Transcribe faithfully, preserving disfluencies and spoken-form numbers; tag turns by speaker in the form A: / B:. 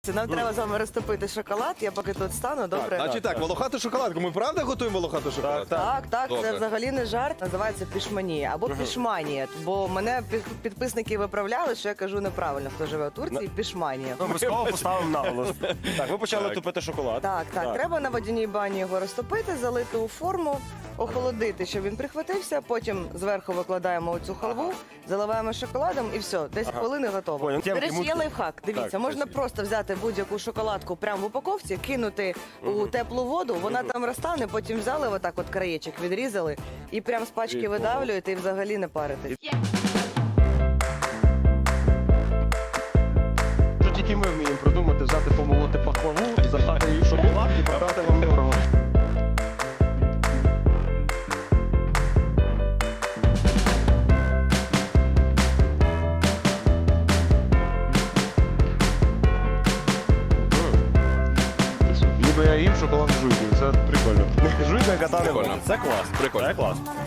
A: Нам треба з вами розтопити шоколад, я поки тут стану, добре?
B: Значить так, волохату шоколадку. Ми правда готуємо волохату шоколадку?
A: Так, так,
B: Добре.
A: це взагалі не жарт, називається пішманія або пішманія, бо мене під- підписники виправляли, що я кажу неправильно, хто живе у Турції, пішманія.
C: Обов'язково поставимо наголос. Так, ви почали
B: Так.
C: топити шоколад.
A: Так, так, треба на водяній бані його розтопити, залити у форму, охолодити, щоб він прихватився, потім зверху викладаємо оцю халву, заливаємо шоколадом і все, десять хвилин і готово.
C: Понял.
A: До
C: Тємки,
A: речі, є
C: мутки.
A: лайфхак, дивіться,
C: Так,
A: можна
C: спасибо.
A: просто взяти будь-яку шоколадку прямо в упаковці, кинути у теплу воду, вона там розтане, потім взяли отак от краєчок, відрізали і прям з пачки
C: Прикол.
A: видавлюєте і взагалі не паритесь.
C: Що тільки ми вміємо придумати, взяти, помолоти пахлаву, запхати її в шоколад і продати вам дорого. Ніби я їм шоколад з жуйкою, це прикольно. Жуйка, яка та не
B: Прикольно.
C: варить. Це клас.
B: Прикольно.
C: Це клас.